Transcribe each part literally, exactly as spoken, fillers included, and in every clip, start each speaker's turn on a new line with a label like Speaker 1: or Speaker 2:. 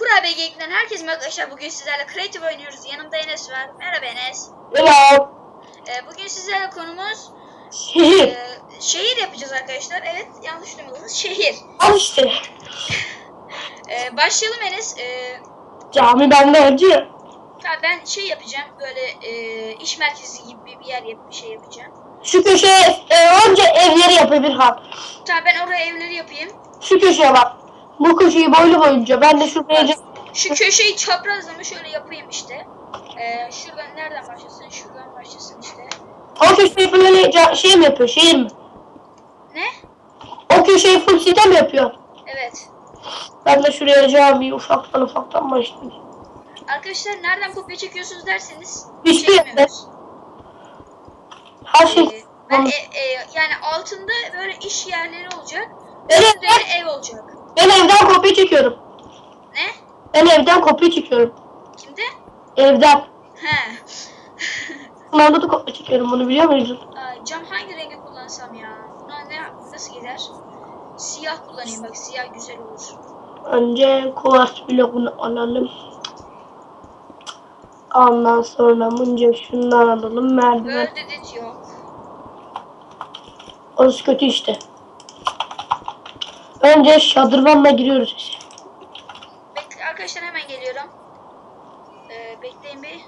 Speaker 1: Kurabiye Geek'ten herkese merhaba arkadaşlar. Bugün sizlerle Creative oynuyoruz. Yanımda Enes var. Merhaba Enes.
Speaker 2: Merhaba.
Speaker 1: Ee, bugün sizlerle konumuz
Speaker 2: Şehir.
Speaker 1: E, şehir yapacağız arkadaşlar. Evet, yanlış duymadınız. Şehir.
Speaker 2: Al işte.
Speaker 1: Ee, başlayalım Enes. Ee,
Speaker 2: Cami benden önce.
Speaker 1: tamam, ben şey yapacağım. Böyle e, iş merkezi gibi bir yer yap bir şey yapacağım.
Speaker 2: Şu köşeye e, önce evleri yapabilir ha.
Speaker 1: Tamam, ben oraya evleri yapayım.
Speaker 2: Şu köşeye bak. Bu köşeyi boylu boyunca. Ben de şuraya...
Speaker 1: Şu köşeyi çaprazlama şöyle yapayım işte. Ee, şuradan nereden başlasın? Şuradan başlasın işte.
Speaker 2: O köşeyi böyle ca- şey mi yapıyor? Şehir mi?
Speaker 1: Ne?
Speaker 2: O köşeyi full site mi yapıyor?
Speaker 1: Evet.
Speaker 2: Ben de şuraya camiyi ufaktan ufaktan başlayayım.
Speaker 1: Arkadaşlar nereden kopya çekiyorsunuz derseniz
Speaker 2: Hiçbir yerde.
Speaker 1: çekmiyoruz.
Speaker 2: Her şey...
Speaker 1: Ee, ben e, e, yani altında böyle iş yerleri olacak.
Speaker 2: Evet.
Speaker 1: Üstünde ev olacak.
Speaker 2: Ben evden kopya çekiyorum.
Speaker 1: Ne?
Speaker 2: Ben evden kopya çekiyorum.
Speaker 1: Kimde?
Speaker 2: Evden.
Speaker 1: He.
Speaker 2: Sınavda da kopya çekiyorum, bunu biliyor muydun?
Speaker 1: Aa, cam hangi rengi kullansam ya? Buna ne nasıl gider? Siyah kullanayım, bak siyah güzel olur.
Speaker 2: Önce kuvars bloğunu alalım. Ondan sonra mınca şundan alalım. Merdiven.
Speaker 1: Böyle dedi yok.
Speaker 2: Orası kötü işte. Önce şadırvanla giriyoruz.
Speaker 1: Bekle arkadaşlar, hemen geliyorum. Ee, bekleyin bir.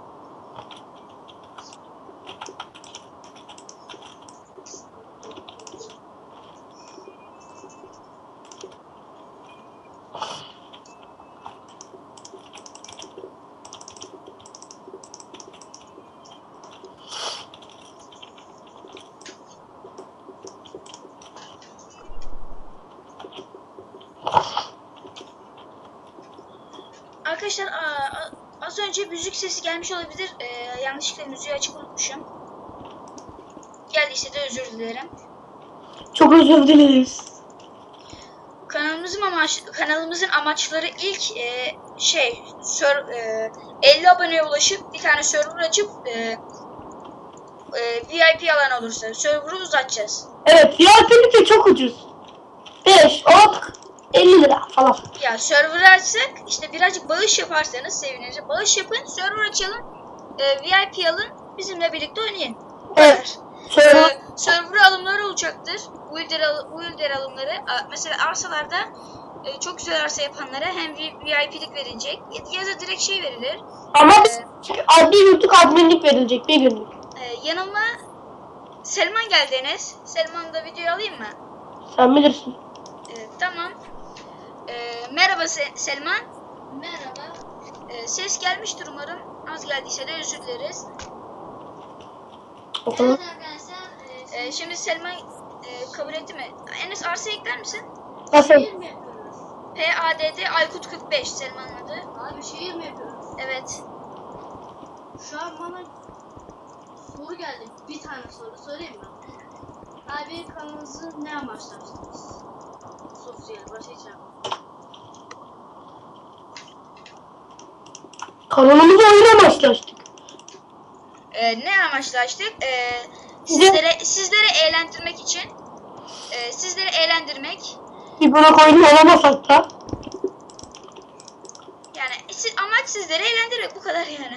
Speaker 1: Arkadaşlar aa, az önce müzik sesi gelmiş olabilir. Ee, yanlışlıkla müziği açık unutmuşum. Geldiyse de özür dilerim.
Speaker 2: Çok özür dileriz.
Speaker 1: Kanalımızın amaç kanalımızın amaçları ilk e, şey sör, e, elli aboneye ulaşıp bir tane server açıp e, e, V I P alan olursa server'ı uzatacağız.
Speaker 2: Evet, V I P'lik de çok ucuz. beş, on, elli lira falan.
Speaker 1: Ya server'ı açsak işte birazcık bağış yaparsanız seviniriz. Bağış yapın, server açalım, e, V I P alın, bizimle birlikte oynayın. Bu kadar.
Speaker 2: Evet. Server,
Speaker 1: Ee, server alımları olacaktır. Builder, al builder alımları. A mesela arsalarda e, çok güzel arsa yapanlara hem V I P'lik verilecek ya da direkt şey verilir.
Speaker 2: ama
Speaker 1: Ee,
Speaker 2: adli yurtluk adminlik verilecek bir günlük.
Speaker 1: e, yanıma Selman geldi Enes. Selman'ı da videoya alayım mı?
Speaker 2: Sen bilirsin.
Speaker 1: Ee, tamam. Ee, merhaba Se Selman. Merhaba. Ee, ses gelmiştir umarım. Az geldiyse de özür dileriz.
Speaker 2: Bakalım.
Speaker 1: Ee, şimdi Selman e, kabul etti mi? Enes arsa ekler misin?
Speaker 2: Nasıl?
Speaker 1: P A D D Aykut kırk beş Selman'ın adı.
Speaker 3: Abi şehir mi yapıyoruz?
Speaker 1: Evet.
Speaker 3: Şu an bana soru geldi. Bir tane soru sorayım mı? Abi kanalınızı ne amaçla açtınız? Sosyal, başka hiç yapmadım.
Speaker 2: Kanalımızı oyuna başlaştık.
Speaker 1: Ee, ne amaçla açtık? Ee, sizlere sizlere eğlendirmek için. E, sizleri eğlendirmek.
Speaker 2: Bir bırak oyunu olamasak da.
Speaker 1: Yani siz, amaç sizleri eğlendirmek, bu kadar yani.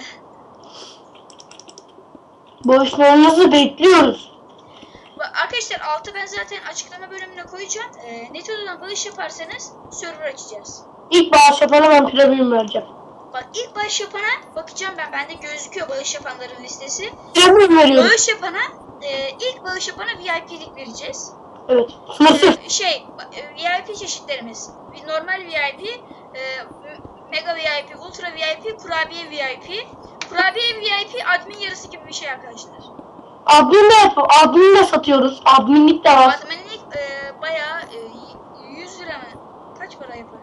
Speaker 2: Bağışlarınızı bekliyoruz.
Speaker 1: Arkadaşlar altı ben zaten açıklama bölümüne koyacağım. E, Netodo'dan bağış yaparsanız server açacağız.
Speaker 2: İlk bağış yapana ben premium vereceğim.
Speaker 1: Bak, ilk bağış yapana bakacağım ben. Bende gözüküyor bağış yapanların listesi.
Speaker 2: Premium veriyoruz.
Speaker 1: Bağış yapana, e, ilk bağış yapana V I P'lik vereceğiz.
Speaker 2: Evet. Nasıl?
Speaker 1: E, şey, V I P çeşitlerimiz. Normal V I P, e, Mega V I P, Ultra V I P, Kurabiye V I P. Kurabiye V I P admin yarısı gibi bir şey arkadaşlar.
Speaker 2: Admin de yapıyor. Admin de satıyoruz. Adminlik de var.
Speaker 1: Adminlik e, bayağı e, yüz lira mı? Kaç para yapar?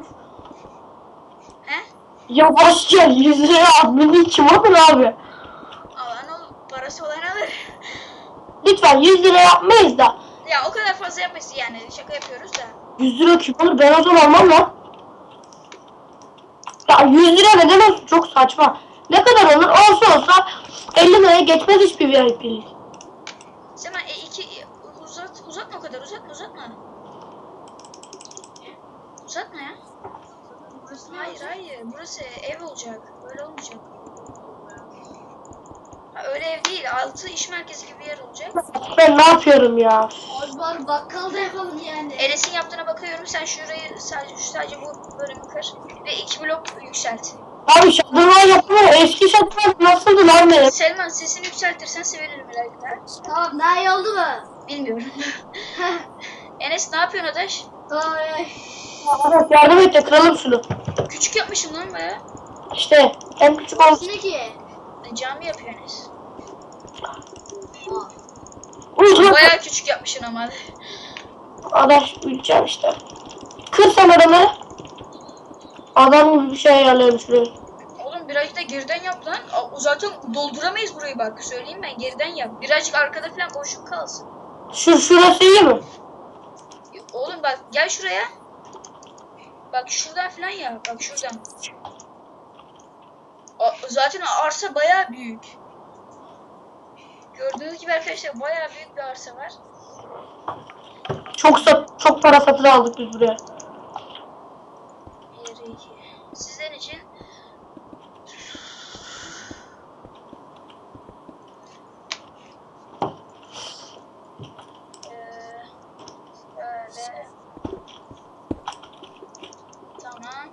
Speaker 1: He?
Speaker 2: Yavaş gel. yüz liraya adminlik kim alır abi?
Speaker 1: Alan olur. Parası olan alır.
Speaker 2: Lütfen yüz lira yapmayız da.
Speaker 1: Ya o kadar fazla yapmasın yani. Şaka yapıyoruz da.
Speaker 2: yüz lira kim alır? Ben o zaman almam lan. Ya yüz lira neden olsun? Çok saçma. Ne kadar olur? Olsa olsa elli liraya geçmez hiçbir V I P'lik.
Speaker 1: Sen e, iki uzat uzatma o kadar, uzatma uzatma. Uzatma ya.
Speaker 3: Burası ne
Speaker 1: Hayır
Speaker 3: olacak?
Speaker 1: hayır. Burası ev olacak. Böyle olmayacak. Ha, öyle ev değil. Altı iş merkezi gibi bir yer olacak.
Speaker 2: Ben ne yapıyorum ya?
Speaker 3: Abi bari bakkal da yapalım yani.
Speaker 1: Enes'in yaptığına bakıyorum. Sen şurayı sadece sadece bu bölümü kır ve iki blok yükselt.
Speaker 2: Abi şadırvan yapamıyor. Eski şadırvan nasıldı lan benim?
Speaker 1: Selman sesini yükseltirsen sevinirim herhalde.
Speaker 3: Tamam daha iyi oldu mu?
Speaker 1: Bilmiyorum. Enes ne yapıyorsun adaş?
Speaker 3: Ay.
Speaker 2: Evet, yardım et de kıralım şunu.
Speaker 1: Küçük yapmışım lan baya.
Speaker 2: İşte en küçük olsun.
Speaker 3: Burası ne ki?
Speaker 1: Cami yapıyor Enes.
Speaker 3: Aa.
Speaker 2: Uygun.
Speaker 1: Baya küçük yapmışsın ama.
Speaker 2: Adaş uyuyacağım işte. Kır sen adamı. Adam gibi bir şey ayarlayalım şuraya.
Speaker 1: Oğlum birazcık da geriden yap lan. Aa, zaten dolduramayız burayı bak. Söyleyeyim ben geriden yap. Birazcık arkada falan boşluk kalsın.
Speaker 2: Şu şurası iyi mi?
Speaker 1: Oğlum bak gel şuraya. Bak şuradan falan yap. Bak şuradan. Aa, zaten arsa baya büyük. Gördüğünüz gibi arkadaşlar baya büyük bir arsa var.
Speaker 2: Çok sat, çok para satın aldık biz buraya.
Speaker 1: Bir, iki. Sizler için Ee, böyle tamam.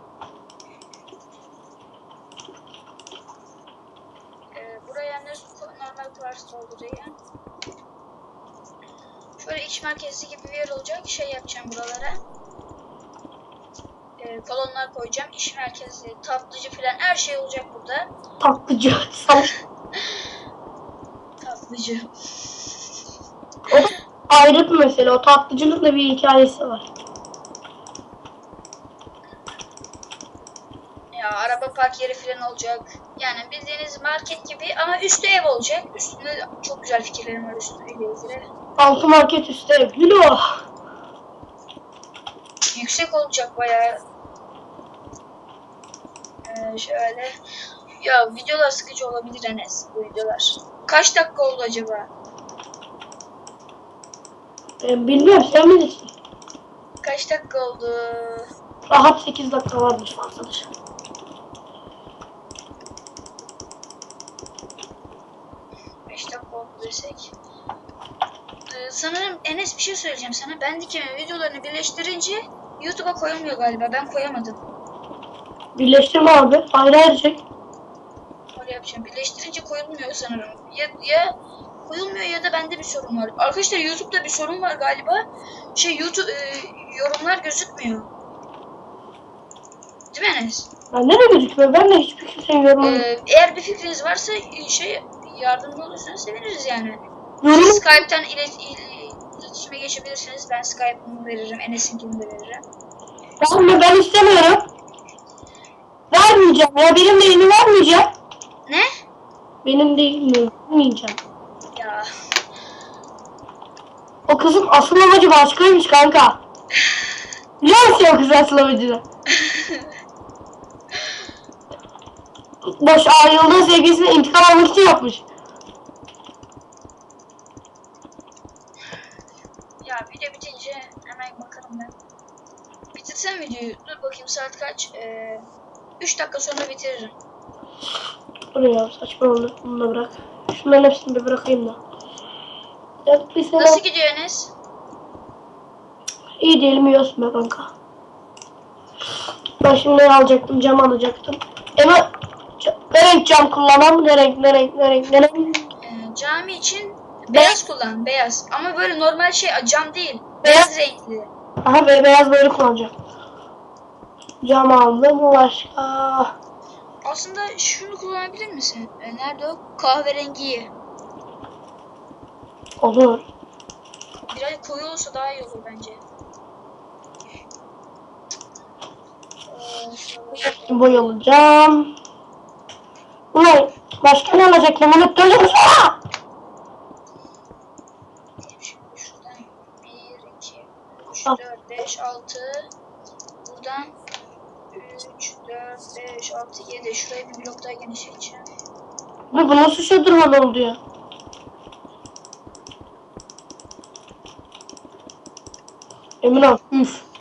Speaker 1: Ee, buraya ne normal kuvars doldurayım. Şöyle iç merkezi gibi bir yer olacak. Şey yapacağım buralara. Ee, kolonlar koyacağım. İş merkezi, tatlıcı falan her şey olacak burada.
Speaker 2: Tatlıcı. Sal-
Speaker 1: Tatlıcı.
Speaker 2: O da ayrı bir mesele. O tatlıcılıkla bir hikayesi var.
Speaker 1: Ya araba park yeri falan olacak. Yani bildiğiniz market gibi ama üstü ev olacak. Üstünde çok güzel fikirlerim var üstüyle ilgili.
Speaker 2: Altı market üstü ev. Hülo.
Speaker 1: Yüksek olacak bayağı. Ee, şöyle. Ya videolar sıkıcı olabilir Enes bu videolar. Kaç dakika oldu acaba?
Speaker 2: Ben bilmiyorum sen bilirsin.
Speaker 1: Kaç dakika oldu?
Speaker 2: Rahat sekiz dakika varmış arkadaş.
Speaker 1: beş dakika oldu desek. Ee, sanırım Enes bir şey söyleyeceğim sana. Bandicam'in videolarını birleştirince YouTube'a koyulmuyor galiba. Ben koyamadım.
Speaker 2: Birleştirme abi. Ayrı ayrı çek.
Speaker 1: Öyle yapacağım. Birleştirince koyulmuyor sanırım. Ya, ya koyulmuyor ya da bende bir sorun var. Arkadaşlar YouTube'da bir sorun var galiba. Şey YouTube e, yorumlar gözükmüyor. Değil mi Enes?
Speaker 2: Bende de gözükmüyor. Ben de hiçbir kimsenin yorumu.
Speaker 1: Ee, eğer bir fikriniz varsa e, şey yardımcı olursanız seviniriz yani.
Speaker 2: Yorum.
Speaker 1: Siz Skype'tan ilet, il- iletişime geçebilirsiniz. Ben Skype'ımı veririm. Enes'inkini de veririm.
Speaker 2: Ben, ben istemiyorum. Vermeyeceğim ya. Benim değilini vermeyeceğim.
Speaker 1: Ne?
Speaker 2: Benim değilini vermeyeceğim.
Speaker 1: Ya
Speaker 2: O kızın asıl amacı başkaymış kanka. Biliyor musun o kızın asıl amacını? Boş ayrıldığı sevgilisine intikam almak için yapmış.
Speaker 1: ya video bitince hemen bakarım ben. Bitirsem videoyu. Dur bakayım saat kaç? Ee, üç dakika sonra bitiririm.
Speaker 2: Buraya saçma oldu. Bunu da bırak. Şunların hepsini bir bırakayım da. Ya bir sene
Speaker 1: Nasıl gidiyor Enes?
Speaker 2: iyi diyelim yiyorsun be kanka. Ben şimdi ne alacaktım? Cam alacaktım. Ama ca- ne renk cam kullanalım? Ne renk, ne renk, ne renk, ne renk?
Speaker 1: Ee, cami için beyaz kullan. Beyaz. Ama böyle normal şey cam değil.
Speaker 2: Beyaz.
Speaker 1: Beyaz renkli.
Speaker 2: Aha be, beyaz böyle kullanacağım. Cam aldım. O başka.
Speaker 1: Aslında şunu kullanabilir misin? Ee, nerede o? Kahverengiyi.
Speaker 2: Olur.
Speaker 1: Biraz koyu olsa daha iyi olur bence. Ee, şöyle-
Speaker 2: Boyalacağım. Ulan başka ne alacaktım? Unuttum.
Speaker 1: Şimdi şuradan bir, iki, üç,
Speaker 2: Al.
Speaker 1: dört, beş, altı. Buradan üç, dört, beş, altı, yedi. Şurayı bir blok daha genişleteceğim.
Speaker 2: Bu bu nasıl şadırvan oldu ya? Emin ol. Üf.